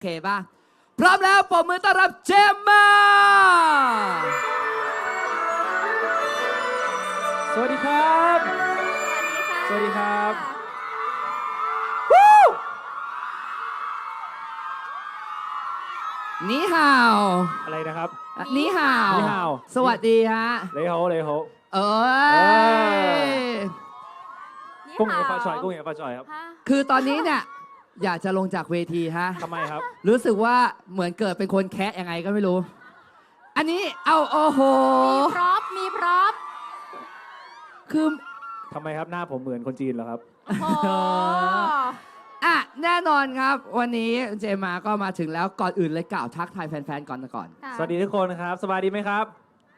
เคป่ะพร้อมแล้วปรบมือต้อนรับเจมมาสวัสดีครับสวัสดีครับนี่ห่าวอะไรนะครับนี่ห่าวนี่ห่าวสวัสดีฮะเลยโฮเอ้ยกุ้งเหนียวปลาจ่อยกุ้งเหนียวปลาจ่อยครับคือตอนนี้เนี่ยอยากจะลงจากเวทีฮะทำไมครับรู้สึกว่าเหมือนเกิดเป็นคนแคะยังไงก็ไม่รู้ อันนี้เอาโอ้โหมีพร็อพคือทำไมครับหน้าผมเหมือนคนจีนเหรอครับโอ้โหอ่ะแน่นอนครับ วันนี้เจมาก็มาถึงแล้วก่อนอื่นเลยกล่าวทักทายแฟนๆก่อนค่ะสวัสดีทุกคนครับสบายดีไหมครับ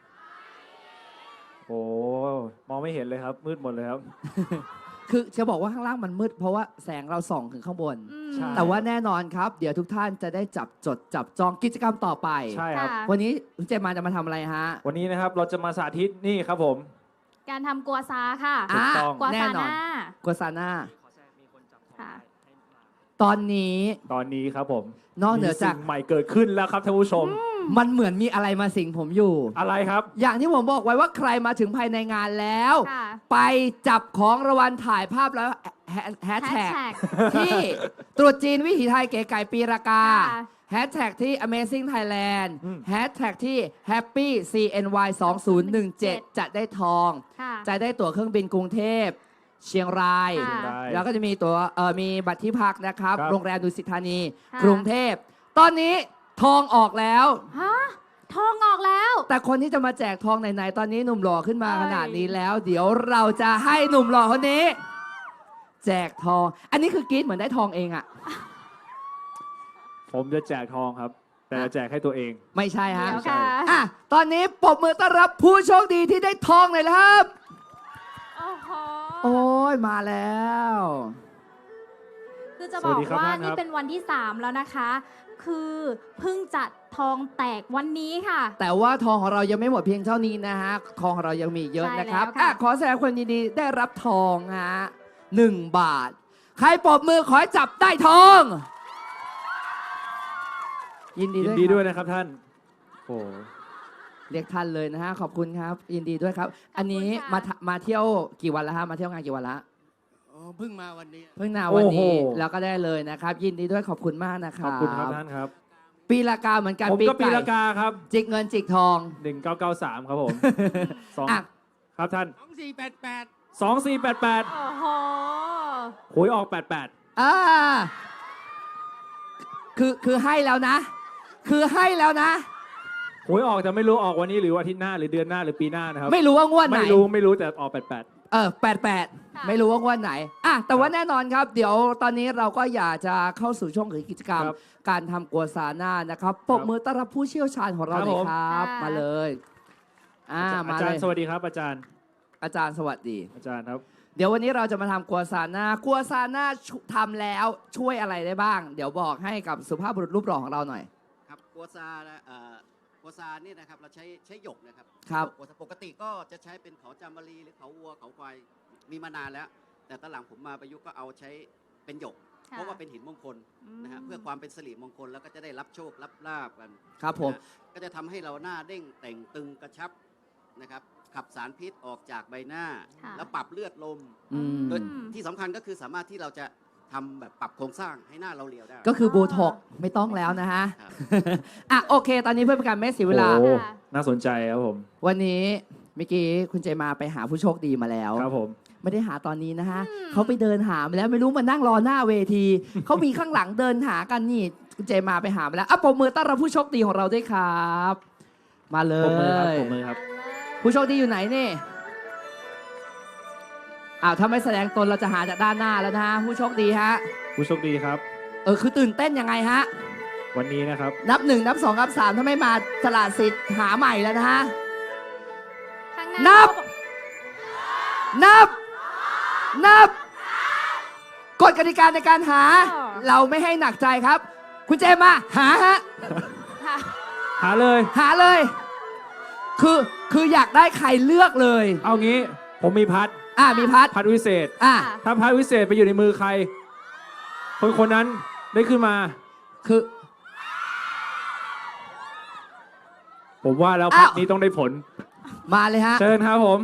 โอ้มองไม่เห็นเลยครับมืดหมดเลยครับคือจะบอกว่าข้างล่างมันมืดเพราะว่าแสงเราส่องถึงข้างบนอืมใช่แต่ว่าแน่นอนครับ เดี๋ยวทุกท่านจะได้จับจองกิจกรรมต่อไปใช่ครับค่ะวันนี้คุณเจมาจะมาทำอะไรฮะวันนี้นะครับเราจะมาสาธิตนี่ครับผมการทำกัวซาค่ะถูกต้องกัวแน่ซานอนหน้ากัวซาน่าค่ะตอนนี้ตอนนี้ครับผมนอกเหนือจากมีสิ่งใหม่เกิดขึ้นแล้วครับท่านผู้ชมมันเหมือนมีอะไรมาสิงผมอยู่อะไรครับอย่างที่ผมบอกไว้ว่าใครมาถึงภายในงานแล้วค่ะไปจับของรางวัลถ่ายภาพแล้วแฮชแท็ก Hashtag ที่ตรุษจีนวิถีไทยเก๋ไก่ปีรากาค่ะแฮชแท็กที่ Amazing Thailand อืมแฮชแท็กที่ Happy CNY 2017 จะได้ทองค่ะจะได้ตั๋วเครื่องบินกรุงเทพ เชียงรายค่ะเชียงรายแล้วก็จะมีตั๋วมีบัตรที่พักนะครับครับโรงแรมดุสิตธานีค่ะกรุงเทพ ตอนนี้ทองออกแล้วฮะ ทองออกแล้วแต่คนที่จะมาแจกทองไหนๆตอนนี้หนุ่มหล่อขึ้นมาเอ้ยขนาดนี้แล้ว เดี๋ยวเราจะให้หนุ่มหล่อคนนี้ แจกทอง อันนี้คือกรี๊ดเหมือนได้ทองเองอะผมจะแจกทองครับ แต่จะแจกให้ตัวเองไม่ใช่ฮะเดี๋ยวค่ะอ่ะตอนนี้ปรบมือต้อนรับผู้โชคดีที่ได้ทองเลยครับโอ้โหโอ้ยมาแล้วคือจะสบวัอสกดีครับว่าท่านคนี่รับเป็นวันที่ 3 แล้วนะคะ คือเพิ่งจัดทองแตกวันนี้ค่ะแต่ว่าทองของเรายังไม่หมดเพียงเท่านี้นะฮะทองของเรายังมีเยอะนะครับใช่แล้วค่ะอ่ะขอแสดงความยินดีได้รับทองฮะ1 บาท ใครปรบมือขอให้จับได้ทอง ยินดียิด้นวยดีครับด้วยนะครับท่าน โอ้เรียกท่านเลยนะฮะ ขอบคุณครับ ยินดีด้วยครับ อันนี้ขอบคุณค่ะมาเที่ยวกี่วันแล้วฮะ มาเที่ยวงานกี่วันละอ๋อเพิ่งมาวันนี้เพิ่งนาวันนี้แล้วก็ได้เลยนะครับ ยินดีด้วยขอบคุณมากนะคขรัอบบคุณครับท่านครับปีละกาเหมือนกันผมก็ปีละกาครับจิกเงินจิกทอง 1993 ครับผมสองอ่ะครับท่าน 2488 2488 โอ้โหหวยออก 88 อ่าคือให้แล้วนะ คือให้แล้วนะหวยออกแต่ไม่รู้ออกวันนี้หรืออาทิตย์หน้าหรือเดือนหน้าหรือปีหน้านะครับไม่รู้ว่างวดไหนไม่รู้แต่ออก 88 ไม่รู้ว่างวดไหนอ่ะแต่ว่าแน่นอนครับ เดี๋ยวตอนนี้เราก็อยากจะเข้าสู่ช่วงของกิจกรรมครับการทำกัวซาน่านะครับปรบมือต้อนรับผู้เชี่ยวชาญของเราครับเลยผมครับค่ะมาเลย 88อามาจาเลรยย์สวัสดีครับอาจารย์อาจารย์สวัสดีอาจารย์ครับเดี๋ยววันนี้เราจะมาทำกัวซาน่ากัวซาน่าทำแล้วช่วยอะไรได้บ้าง เดี๋ยวบอกให้กับสุภาพบุรุษรูปหล่อของเราหน่อยครับกัวซานะกัวซานี่นะครับเราใช้หยกนะครับครับกัวซาปกติก็จะใช้เป็นเขาจามรีหรือเขาวัวเขาควายมีมานานแล้ว แต่ตอนหลังผมมาประยุกต์ก็เอาใช้เป็นหยกค่ะเพราะว่าเป็นหินมงคลนะฮะเพื่อความเป็นสิริมงคลแล้วก็จะได้รับโชครับลาบกันครับผมนะฮะก็จะทำให้เราหน้าเด้งแต่งตึงกระชับนะครับขับสารพิษออกจากใบหน้าค่ะแล้วปรับเลือดลมอืมโดยที่สำคัญก็คือสามารถที่เราจะทำแบบปรับโครงสร้างให้หน้าเราเรียวได้ก็คือโบท็อกซ์ไม่ต้องแล้วนะฮะครับอ่ะโอเค ตอนนี้เพื่อเป็นการไม่เสียเวลาโอ้ค่ะน่าสนใจครับผมวันนี้เมื่อกี้คุณเจมาไปหาผู้โชคดีมาแล้วครับผมไม่ได้หาตอนนี้นะฮะอืมเขาไปเดินหามาแล้วไม่รู้มานั่งรอหน้าเวที เขามีข้างหลังเดินหากันนี่คุณเจมาไปหามาแล้วอ่ะปรบมือต้อนรับผู้โชคดีของเราด้วยครับ มาเลปรบมือครับยปรบมือครับผู้โชคดีอยู่ไหนนี่อ้าวถ้าไม่แสดงตนเราจะหาจากด้านหน้าแล้วนะฮะผู้โชคดีฮะผู้โชคดีครับคือตื่นเต้นยังไงฮะวันนี้นะครับนับ 1 นับ 2 นับ 3 ถ้าไม่มาสละสิทธิ์หาใหม่แล้วนะฮะข้างนับ นับ นับ กฎกติกาในการหา เราไม่ให้หนักใจครับ คุณเจมมาหาฮะค่ะหาเลยหาเลย คืออยากได้ใครเลือกเลยเอางี้ผมมีพัดมีพัดพัดวิเศษอ่ะค่ะถ้าพัดวิเศษไปอยู่ในมือใคร คนนั้นได้ขึ้นมาคือผมว่าแล้วอ้าวพักนี้ต้องได้ผลมาเลยฮะเชิญครับผม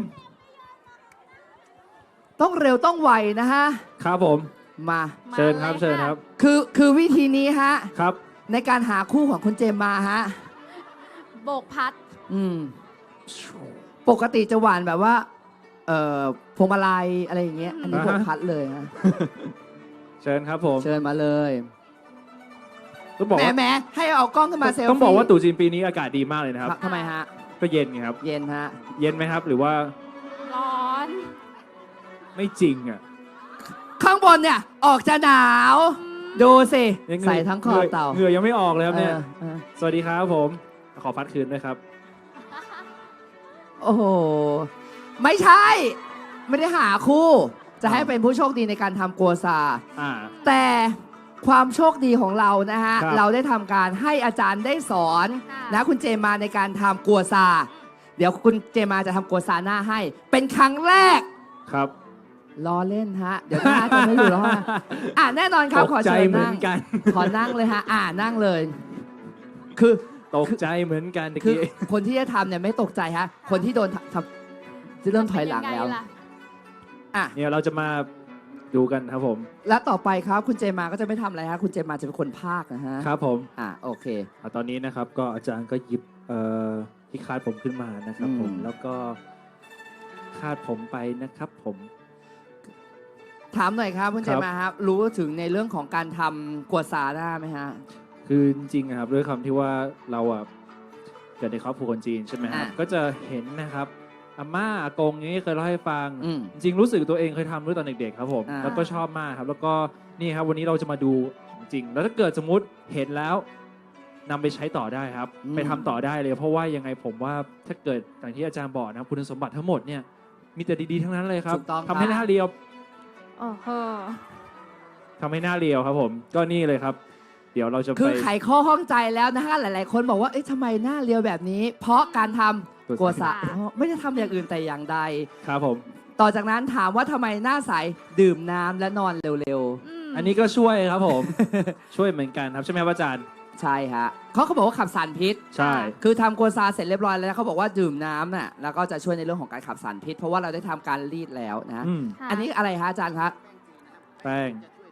ต้องเร็วต้องไวนะฮะครับผมมาเชิญครับมาลยเชิญครับคือวิธีนี้ฮะครับในการหาคู่ของคุณเจมมาฮะโบกพัดอืม ปกติจะหวานแบบว่า พวงมาลัยอะไรอย่างเงี้ย อันนี้อ่าผฮะมพัดเลยฮะเชิญครับผมเชิญมาเลยต้องบอกแหมว่าแหมให้เอากล้องขึ้นมาเซลฟี่ต้องบอกว่าตู่จีนปีนี้อากาศดีมากเลยนะครับทำไมฮะก็เย็นไงครับเย็นฮะเย็นไหมครับ หรือว่าร้อนไม่จริงอ่ะข้างบนเนี่ย ออกจะหนาว ดูสิยังเหงื่อใส่ทั้งคอเต่าเหงื่อยังไม่ออกเลยครับเนี่ยเออสวัสดีครับผม ขอพัดคืนด้วยครับโอ้โห ไม่ใช่ ไม่ได้หาคู่ จะให้เป็นผู้โชคดีในการทำกัวซาอ่าแต่ความโชคดีของเรานะฮะครับเราได้ทำการให้อาจารย์ได้สอนค่ะนะคุณเจมาในการทำกัวซา เดี๋ยวคุณเจมาจะทำกัวซาหน้าให้ เป็นครั้งแรกครับล้อเล่นฮะ เดี๋ยวหน้าจะไม่อยู่แล้วฮะอ่ะแน่นอนครับตกขอใจเชิญเหมือนั่นงกันขอนั่งเลยฮะ นั่งเลย คือตกใจเหมือนกันตะคือกี้คนที่จะทำเนี่ยไม่ตกใจฮะ คนที่โดนทำจะเริ่มถอยหลังแล้วเป็นยัไล่ะอ่ะเนี่ยเราจะมาดูกันครับผมแล้วต่อไปครับคุณเจมาก็จะไม่ทำอะไรฮะ คุณเจมาจะเป็นคนภาคนะฮะครับผมโอเคตอนนี้นะครับก็อาจารย์ก็หยิบที่คาดผมขึ้นมานะครับผมอืมแล้วก็คาดผมไปนะครับผมถามหน่อยครับคุณเจครับมาครับ รู้ถึงในเรื่องของการทำกัวซาหน้าไหมฮะคือจริงๆอะครับด้วยคำที่ว่าเราอะเกิดในครอบครัวคนจีนใช่ไหมครับอ่ะก็จะเห็นนะครับอาม่าอากงอย่างนี้เคยเล่าให้ฟังอืมจริงๆรู้สึกตัวเองเคยทำด้วยตอนเด็กๆครับผมอ่าแล้วก็ชอบมากครับ แล้วก็นี่ครับวันนี้เราจะมาดูของจริง แล้วถ้าเกิดสมมุติเห็นแล้วนำไปใช้ต่อได้ครับ ไปทำต่อได้เลย เพราะว่ายังไงผมว่าถ้าเกิดอย่างที่อาจารย์บอกนะครับคุณสมบัติทั้งหมดเนี่ยมีแต่ดีๆทั้งนั้นเลยครับถูกต้องครับทำให้หน้าเรียวโอ้โหทำให้หน้าเรียวครับผม ก็นี่เลยครับ เดี๋ยวเราจะคือไปไขข้อข้องใจแล้วนะฮะหลาย ๆ คนบอกว่าเอ๊ะทำไมหน้าเรียวแบบนี้ เพราะการทำกัวซาอ๋อไม่ได้ทำอย่างอื่นแต่อย่างใดครับผมต่อจากนั้นถามว่าทำไมหน้าใสดื่มน้ำและนอนเร็วอันนี้ก็ช่วยครับผม ช่วยเหมือนกันครับใช่ไหมครับอาจารย์ๆ ใช่ฮะเขาบอกว่าขับสารพิษใช่คือทำกัวซาเสร็จเรียบร้อยแล้วเขาบอกว่าดื่มน้ำน่ะแล้วก็จะช่วยในเรื่องของการขับสารพิษ เพราะว่าเราได้ทำการรีดแล้วนะอืมค่ะอันนี้อะไรฮะอาจารย์ครับแป้ง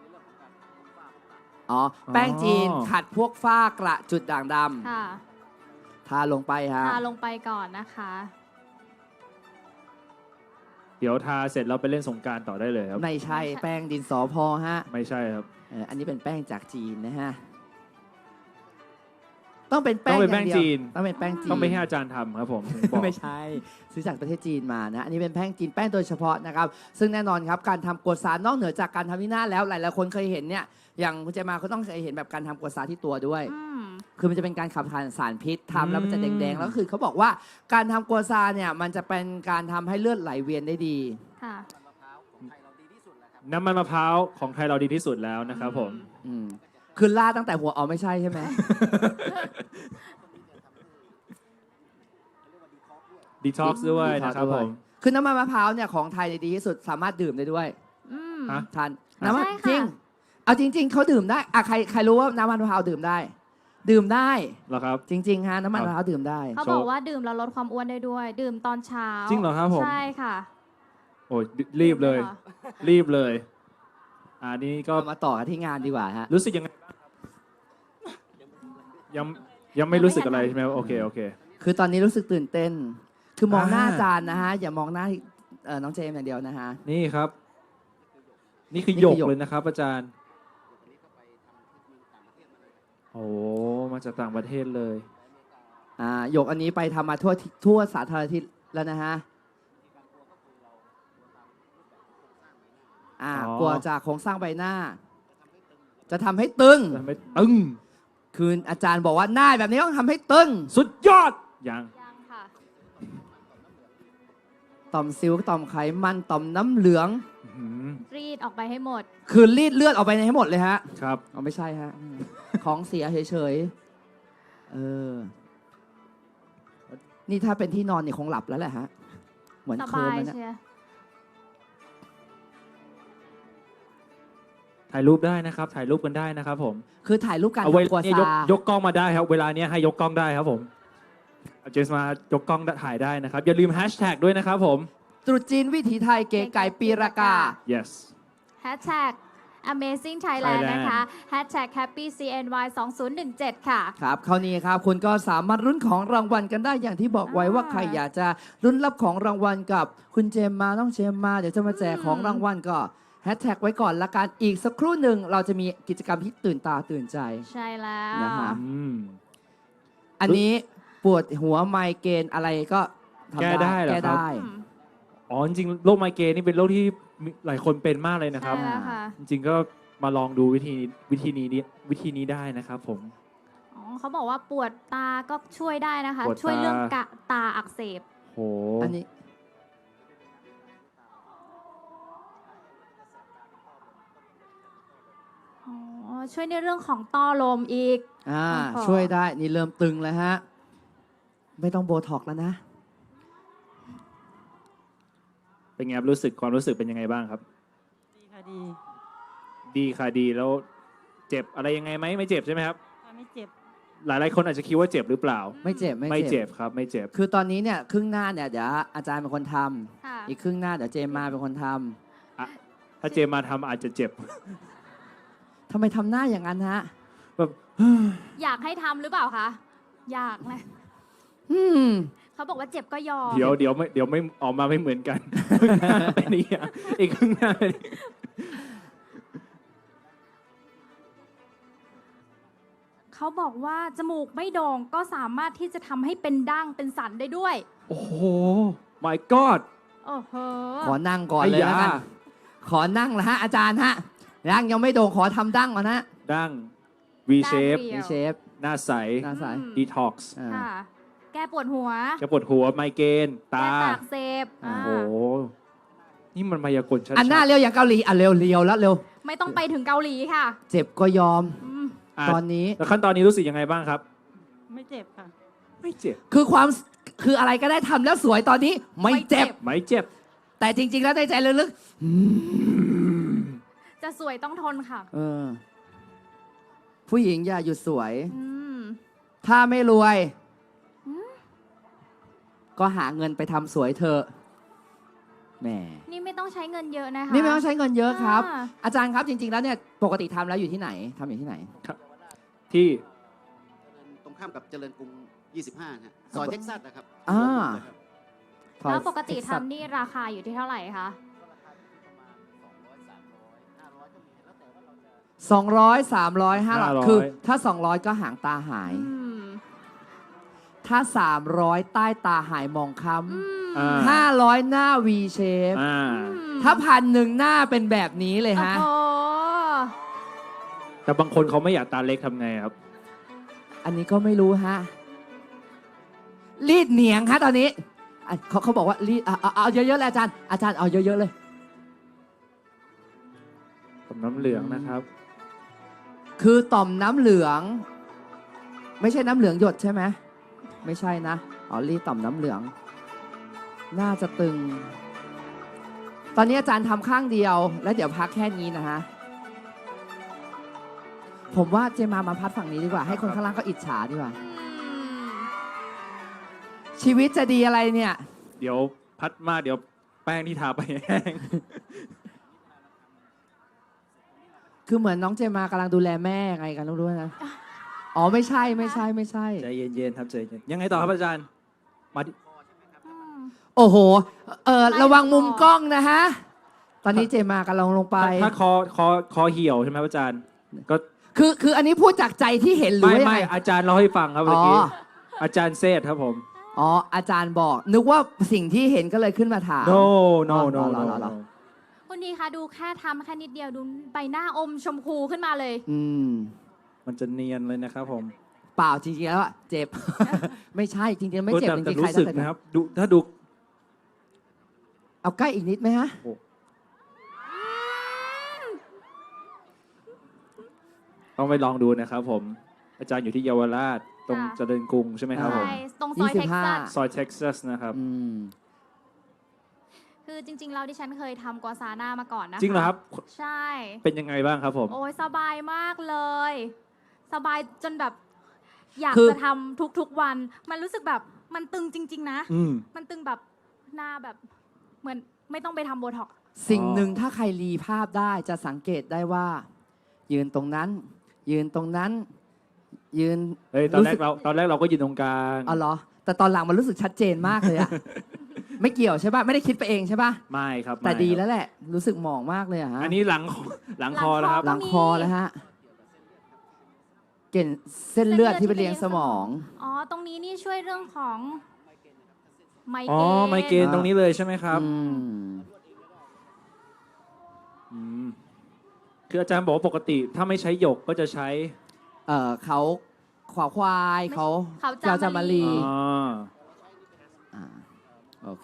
อ๋อแป้งจีนอ๋อขัดพวกฝ้ากระจุดด่างดค่ะำทาลงไปฮะทาลงไปก่อนนะคะเดี๋ยวทาเสร็จเราไปเล่นสงกรารต่อได้เลยครับไม่ใช่แป้งดินสอพอฮะไม่ใช่ครับอันนี้เป็นแป้งจากจีนนะฮะต้องเป็นแป้งต้องเป็นแป้งอย่างดียวจีนต้องเป็นแป้งจีนต้องไปให้อาจารย์ทำครับผมถึงบอกไม่ใช่ ซื้อจากประเทศจีนมานะ อันนี้เป็นแป้งจีนแป้งโดยเฉพาะนะครับ ซึ่งแน่นอนครับการทำกัวซานอกเหนือจากการทำที่หน้าแล้วหลายๆคนเคยเห็นเนี่ยอย่างคุณเจมาเขาต้องเคยเห็นแบบการทำกัวซาที่ตัวด้วยอืมคือมันจะเป็นการขับถ่ายสารพิษทำแล้วมันจะอืแดมงๆ แล้วก็คือเขาบอกว่าการทำกัวซาเนี่ยมันจะเป็นการทำให้เลือดไหลเวียนได้ดีค่ะน้ำมันมะพร้าวของไทยเราดีที่สุดแล้วนะครับผมอืมคือล่าดตั้งแต่หัวไม่ใช่ใช่ไหมดีท็อกซ์ด้วยนะครับผมคือน้ำมันมะพร้าวเนี่ยของไทยดีที่สุดสามารถดื่มได้ด้วยอืมฮะทานน้ำมันใช่ค่ะจริง เอาจริง ๆเขาดื่มได้อะใครรู้ว่าน้ำมันมะพร้าวดื่มได้ ดื่มได้เหรอครับจริงๆฮะน้ำมันมะพร้าวดื่มได้เขาบอกว่าดื่มแล้วลดความอ้วนได้ด้วย ดื่มตอนเช้าจริงเหรอครับผมใช่ค่ะโอ้ยรีบเลยหรอรีบเลยอันนี้ก็ก็มาต่อกันที่งานดีกว่าฮะรู้สึกยังไงบ้างครับยังไม่รู้สึกอะไรใช่ไหมโอเคโอเคคือตอนนี้รู้สึกตื่นเต้น คือมองหน้าอ่าอาจารย์นะฮะอย่ามองหน้าน้องเจมส์อย่างเดียวนะฮะนี่ครับ นี่คือนี่หยคืกอหยกเลยนะครับ อาจารย์ โอ้มาจากต่างประเทศเลยหยกอันนี้ไปทำมาทั่วสาธารณทิศแล้วนะฮะอ๋อกลัวจากโครงสร้างใบหน้า จะทำให้ตึงทำให้ตึงคืออาจารย์บอกว่าหน้าแบบนี้ต้องทำให้ตึงสุดยอดยังยังค่ะต่อมซิวต่อมไขมันต่อมน้ำเหลืองอื้อหือรีดออกไปให้หมดคือรีดเลือดออกไปให้หมดเลยฮะครับเอาไม่ใช่ฮะ ของเสียเฉยๆนี่ถ้าเป็นที่นอนนี่คงหลับแล้วแหละฮะ เหมือนสเคลิ้บาม ยแล้วเนี่ยเชียร์ถ่ายรูปได้นะครับ ถ่ายรูปกันได้นะครับผมคือถ่ายรูปการเอาเวทำกัวลาเนี่ยซายกกล้องมาได้ครับ เวลาเนี้ยให้ยกกล้องได้ครับผมเจมส์มายกกล้องถ่ายได้นะครับ อย่าลืมแฮชแท็กด้วยนะครับผมตรุษจีนวิถีไทยเก๋ไก่ปีรากา yes Hashtag Amazing Thailand นะคะ Hashtag Happy CNY 2017 ค่ะครับคราวนี้ครับคุณก็สามารถลุ้นของรางวัลกันได้อย่างที่บอกไว้ว่าใครอยากจะลุ้นรับของรางวัลกับคุณเจมมาน้องเจมมาเดี๋ยวจะมาแจกของรางวัลก็แฮชแท็กไว้ก่อนละกันอีกสักครู่หนึ่งเราจะมีกิจกรรมที่ตื่นตาตื่นใจใช่แล้วนะฮะอืมอันนี้ปวดหัวไมเกรนอะไรก็ทำแก้ได้เหรอแก้ครับได้อืมอ๋อจริงๆโรคไมเกรนนี่เป็นโรคที่หลายคนเป็นมากเลยนะครับใช่แล้วค่ะจริงๆก็มาลองดูวิธีนี้ได้นะครับผมอ๋อเขาบอกว่าปวดตาก็ช่วยได้นะคะปวดตาช่วยเรื่องตาอักเสบโหอันนี้อ๋อ ช่วยในเรื่องของต้อลมอีกอ่าโอ้โหช่วยได้นี่เริ่มตึงแล้วฮะไม่ต้องโบท็อกซ์แล้วนะเป็นไงครับความรู้สึกเป็นยังไงบ้างครับดีค่ะดีดีค่ะดีแล้วเจ็บอะไรยังไงไหมไม่เจ็บใช่ไหมครับค่ะไม่เจ็บหลายๆคนอาจจะคิดว่าเจ็บหรือเปล่าไม่เจ็บไม่เจ็บครับไม่เจ็บคือตอนนี้เนี่ยครึ่งหน้าเนี่ยเดี๋ยวอาจารย์เป็นคนทำค่ะอีกครึ่งหน้าเดี๋ยวเจมมาเป็นคนทำถ้าเจมมาทำอาจจะเจ็บทำไมทำหน้าอย่างนั้นฮะแบบอยากให้ทำหรือเปล่าคะ อยากนะอืมเขาบอกว่าเจ็บก็ยอมเดี๋ยวไม่ออกมาไม่เหมือนกัน ครึ่งหน้าเป็นอีกอย่างอีกครึ่งหน้าเป็นอีกเขาบอกว่าจมูกไม่โด่งก็สามารถที่จะทำให้เป็นดั้งเป็นสันได้ด้วยโอ้โห my god โอ้โหขอนั่งก่อนเลยแล้วกันไอ้ยาขอนั่งละฮะอาจารย์ฮะดั้งยังไม่โด่งขอทำดั้งก่อนนะดั้ง V ดั้ง shape เรียวมีเชฟหน้าใสหน้าใสอืม detox อ่าค่ะ แก้ปวดหัวจะปวดหัวไมเกรนตาแก้ตาอักเสบอ่าโอ้โห นี่มันมายากลชัดๆอันหน้าเร็วอย่างเกาหลีอ่ะเร็วเร็วแล้วเร็วไม่ต้องไปถึงเกาหลีค่ะเจ็บก็ยอมอืมอ่ะตอนนี้แล้วขั้นตอนนี้รู้สึกยังไงบ้างครับไม่เจ็บค่ะไม่เจ็บคืออะไรก็ได้ทำแล้วสวยตอนนี้ไม่เจ็บไม่เจ็บแต่จริง ๆ แล้วในใจลึกจะสวยต้องทนค่ะๆผู้หญิงอย่าหยุดสวยอืมถ้าไม่รวยอืมก็หาเงินไปทำสวยเถอะแหมนี่ไม่ต้องใช้เงินเยอะนะคะนี่ไม่ต้องใช้เงินเยอะครับอ่าอาจารย์ครับจริง ๆ แล้วเนี่ยปกติทำแล้วอยู่ที่ไหนทำอยู่ที่ไหนที่ตรงข้ามกับเจริญกรุง 25นะฮะซอยเท็กซัสนะครับอ่าแล้วปกติทำนี่ราคาอยู่ที่เท่าไหร่คะ 200 300 500คือถ้า 200 ก็หางตาหายอืมถ้า 300 ใต้ตาหายมองคอือ่ามำ500 หน้า V shape อ่าถ้า1,000หน้าเป็นแบบนี้เลยฮะโอ้โหแต่บางคนเขาไม่อยากตาเล็กทำไงครับอันนี้ก็ไม่รู้ฮะ รีดเหนียงฮะตอนนี้อ่ะเขาบอกว่ารีดเอาเยอะๆเลยอาจารย์เอาเยอะๆเลยผมน้ำเหลืองนะครับคือต่อมน้ำเหลือง ไม่ใช่น้ำเหลืองหยดใช่ไหมไม่ใช่นะอ๋อรีดต่อมน้ำเหลือง น่าจะตึง ตอนนี้อาจารย์ทำข้างเดียว แล้วเดี๋ยวพักแค่นี้นะฮะผมว่าเจมาพัดฝั่งนี้ดีกว่า ให้คนข้างล่างก็อิจฉาดีกว่าอืมชีวิตจะดีอะไรเนี่ยเดี๋ยวพัดมาเดี๋ยวแป้งที่ทาไปแห้งคือเหมือนน้องเจมากำลังดูแลแม่ไงกันรู้ด้วยนะ อ๋อไม่ใช่ใจเย็นๆครับใจเย็นยังไงต่อครับอาจารย์ มาดิอืมโอ้โหไม่ระวังมุมพอกล้องนะฮะ ตอนนี้เจมากำลังลงไปถ้าคอเหี่ยวใช่ไหมครับอาจารย์ ก็คืออันนี้พูดจากใจที่เห็นหรือไม่ว่ายังไม่ไงอาจารย์เล่าให้ฟังครับเมื่อกี้อ๋ออาจารย์เซธครับผมอ๋ออาจารย์บอก นึกว่าสิ่งที่เห็นก็เลยขึ้นมาถาม no อ๋อ no เหรอคุณดีคะดูแค่ทำแค่นิดเดียวดูใบหน้าอมชมพูขึ้นมาเลยอืมมันจะเนียนเลยนะครับผมเปล่าจริงๆแล้วอะเจ็บ ไม่ใช่จริงๆไม่เจ็บจแต่ริงๆใครรู้สึกจะนะครับดูถ้าดูเอาใกล้อีกนิดไหมฮะต้องไปลองดูนะครับผม อาจารย์อยู่ที่เยาวราชตรงค่ะเจริญกรุงใช่ไหมครับผมใช่ตรงซอยเท็กซัสซอยเท็กซัสนะครับอืมคือจริงๆเราดิฉันเคยทำกัวซาน่ามาก่อนนะคะจริงเหรอครับใช่เป็นยังไงบ้างครับผมโอ้ยสบายมากเลย สบายจนแบบอยากคือจะทำทุกๆวัน มันรู้สึกแบบมันตึงจริง ๆ นะอืมมันตึงแบบหน้าแบบเหมือนไม่ต้องไปทำโบท็อกซ์สิ่งหนึ่งถ้าใครรีภาพได้จะสังเกตได้ว่า ยืนตรงนั้น ยืนตรงนั้น ยืนเฮ้ยตอนแรสึกเราก็ยืนตรงกลางอ๋อเหรอ แต่ตอนหลังมันรู้สึกชัดเจนมากเลยอะ ไม่เกี่ยวใช่ป่ะ ไม่ได้คิดไปเองใช่ป่ะไม่ครับแต่ไม่ดีครับแล้วแหละ รู้สึกหมองมากเลยอะฮะอันนี้หลังคอแล้วครับหลังคอแล้วฮะเก่นเส้นเลือดที่ไปเลี้ยงสมองอ๋อ ตรงนี้นี่ช่วยเรื่องของไมเกรนอ๋อไมเกรนตรงนี้เลยใช่ไหมครับอืมอืมคืออาจารย์บอกว่าปกติถ้าไม่ใช้หยกก็จะใช้เขาขวาควายเขาเขาเจ้าจามารีอ๋ออ่าโอเค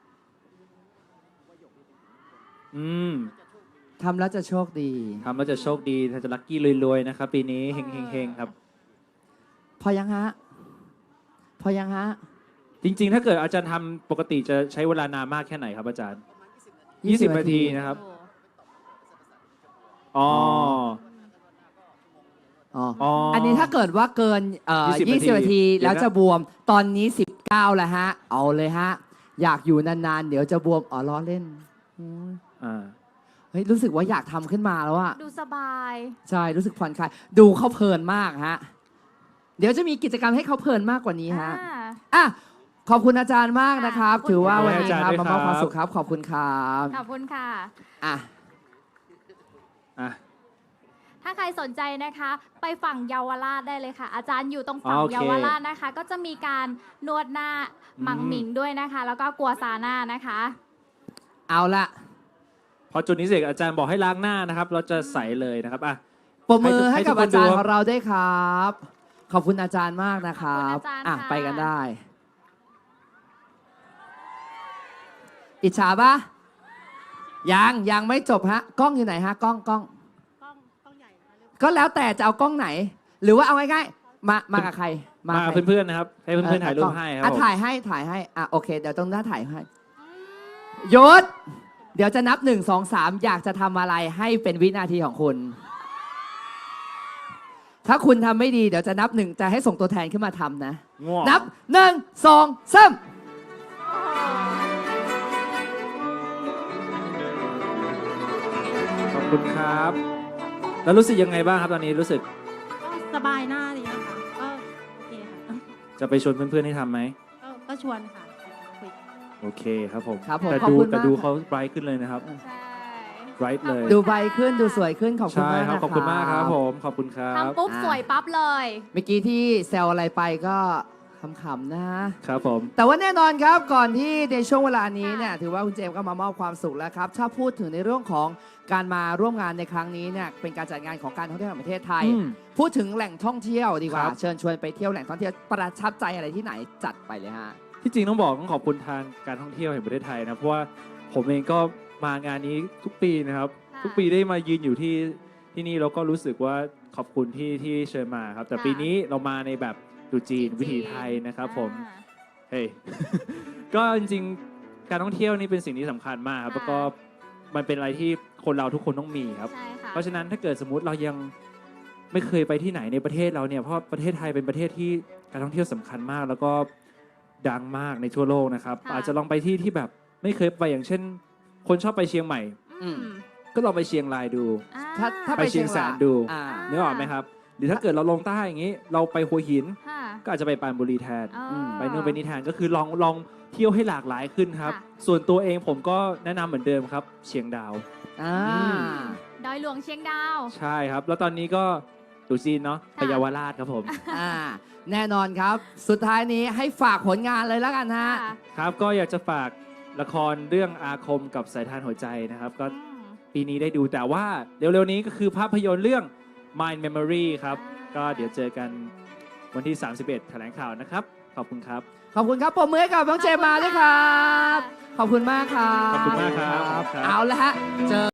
อืมทำแล้วจะโชคดีทำแล้วจะโชคดีจะลัคกี้รวยๆนะครับ ปีนี้เฮงๆครับพอยังฮะ พอยังฮะจริงๆ ถ้าเกิดอาจารย์ทำปกติจะใช้เวลานานมากแค่ไหนครับอาจารย์ 20 นาทีนะครับ อ๋ออ๋ออ๋ออัอันนี้ถ้าเกิดว่าเกิน 20 20 นาทีเดี๋ยวนะแล้วจะบวม ตอนนี้ 19 แล้วฮะ เอาเลยฮะ อยากอยู่นานๆ เดี๋ยวจะบวม อ๋อล้อเล่นอืมอ่าเฮ้ย รู้สึกว่าอยากทำขึ้นมาแล้วอะดูสบายใช่ รู้สึกผ่อนคลาย ดูเขาเพลินมากฮะ เดี๋ยวจะมีกิจกรรมให้เขาเพลินมากกว่านี้ฮะอ่าอ่ะ ขอบคุณอาจารย์มากนะครับขอบคุณถือว่าวันนี้ขอบคุณครับอาจารย์มามอบด้วยครับความสุขครับ ขอบคุณครับขอบคุณค่ะอ่ะอ่ะถ้าใครสนใจนะคะ ไปฝั่งเยาวราชได้เลยค่ะ อาจารย์อยู่ตรงฝั่งโอเคเยาวราชนะคะ ก็จะมีการนวดหน้าหมังหมิงด้วยนะคะ แล้วก็กัวซาน่านะคะเอาละพอจุดนี้เสร็จอาจารย์บอกให้ล้างหน้านะครับ เราจะใสเลยนะครับอ่ะปรบมือให้ให้ทุกักบคนอาจารย์ดูของเราด้วยครับ ขอบคุณอาจารย์มากนะครับขอบคุณอาจารย์อ่ะค่ะไปกันได้ อิจฉาปะยังไม่จบฮะ กล้องอยู่ไหนฮะ กล้องกล้องใหญ่มาเร็วก็แล้วแต่จะเอากล้องไหน หรือว่าเอาง่ายๆมากับใครมาใครเพื่อนๆนะครับ ให้เพื่อนๆถ่ายรูปให้ครับอ่ะผมถ่ายให้อ่ะโอเค เดี๋ยวตรงหน้าถ่ายให้ยศเดี๋ยวจะนับ 1 2 3 อยากจะทำอะไรให้เป็นวินาทีของคุณ ถ้าคุณทำไม่ดีเดี๋ยวจะนับ 1 จะให้ส่งตัวแทนขึ้นมาทำนะง่วงนับ 1 2 3 ขอบคุณครับ แล้วรู้สึกยังไงบ้างครับตอนนี้รู้สึกก็สบายหน้าดีนะคะก็โอเคค่ะจะไปชวนเพื่อนๆให้ทำไหมก็ชวนค่ะคุยโอเคครับผมครับผมแต่ขอบดูคุณแต่มากดูครัเขาบไบรท์ขึ้นเลยนะครับใช่ไบรท์เลยดูใบขึ้นดูสวยขึ้นขอบคุณใช่มากครับนะขอบคุณมากครับผมขอบคุณครับทำปุ๊บสวยปั๊บเลยเมื่อกี้ที่แซวอะไรไปก็ขำๆนะครับผมแต่ว่าแน่นอนครับก่อนที่ในช่วงเวลานี้เนี่ยถือว่าคุณเจมส์ก็มามอบความสุขแล้วครับ ถ้าพูดถึงในเรื่องของการมาร่วมงานในครั้งนี้เนี่ยเป็นการจัดงานของการท่องเที่ยวแห่งประเทศไทยอืมพูดถึงแหล่งท่องเที่ยวดีกว่าครับเชิญชวนไปเที่ยวแหล่งท่องเที่ยวประทับใจอะไรที่ไหนจัดไปเลยฮะที่จริงต้องขอบคุณทางการท่องเที่ยวแห่งประเทศไทยนะเพราะว่าผมเองก็มางานนี้ทุกปีนะครับค่ะทุกปีได้มายืนอยู่ที่นี่แล้วก็รู้สึกว่าขอบคุณที่เชิญมาครับ แต่ค่ะปีนี้เรามาในแบบตรุษจีนวิถีไทยนะครับผมอ่าเฮ้ย ก็จริงๆ การท่องเที่ยวนี่เป็นสิ่งที่สำคัญมากครับค่ะแล้วก็มันเป็นอะไรที่คนเราทุกคนต้องมีครับใช่ค่ะเพราะฉะนั้นถ้าเกิดสมมติเรายังไม่เคยไปที่ไหนในประเทศเราเนี่ยเพราะประเทศไทยเป็นประเทศที่การท่องเที่ยวสำคัญมาก แล้วก็ดังมากในทั่วโลกนะครับค่ะอาจจะลองไปที่แบบไม่เคยไปอย่างเช่น คนชอบไปเชียงใหม่อืมก็ลองไปเชียงรายดูอ่ถ้าไปเชียงแสนดูอ่านึกออกไหมครับ หรือถ้าเกิดเราลงใต้อย่างนี้ เราไปหัวหินค่ะก็อาจจะไปปรานบุรีแทนอ๋อไปนู่นไปนี่แทนก็คือลองเที่ยวให้หลากหลายขึ้นครับค่ะส่วนตัวเองผมก็แนะนำเหมือนเดิมครับ เชียงดาวอ่าดอยหลวงเชียงดาวใช่ครับ แล้วตอนนี้ก็ตรุษจีนเนาะไปค่ะเยาวราชครับผมอ่าแน่นอนครับ สุดท้ายนี้ให้ฝากผลงานเลยแล้วกันฮะค่ะครับก็อยากจะฝากละครเรื่องอาคมกับสายทานหัวใจนะครับ ก็อืมปีนี้ได้ดูแต่ว่าเร็วๆนี้ก็คือภาพยนตร์เรื่อง Mind Memory ครับ ก็เดี๋ยวเจอกันวันที่ 31 แถลงข่าวนะครับ ขอบคุณครับขอบคุณครับปรบมือให้กับน้องเจมมาด้วยครับ ขอบคุณมากครับขอบคุณมากครับเอาละฮะเจอ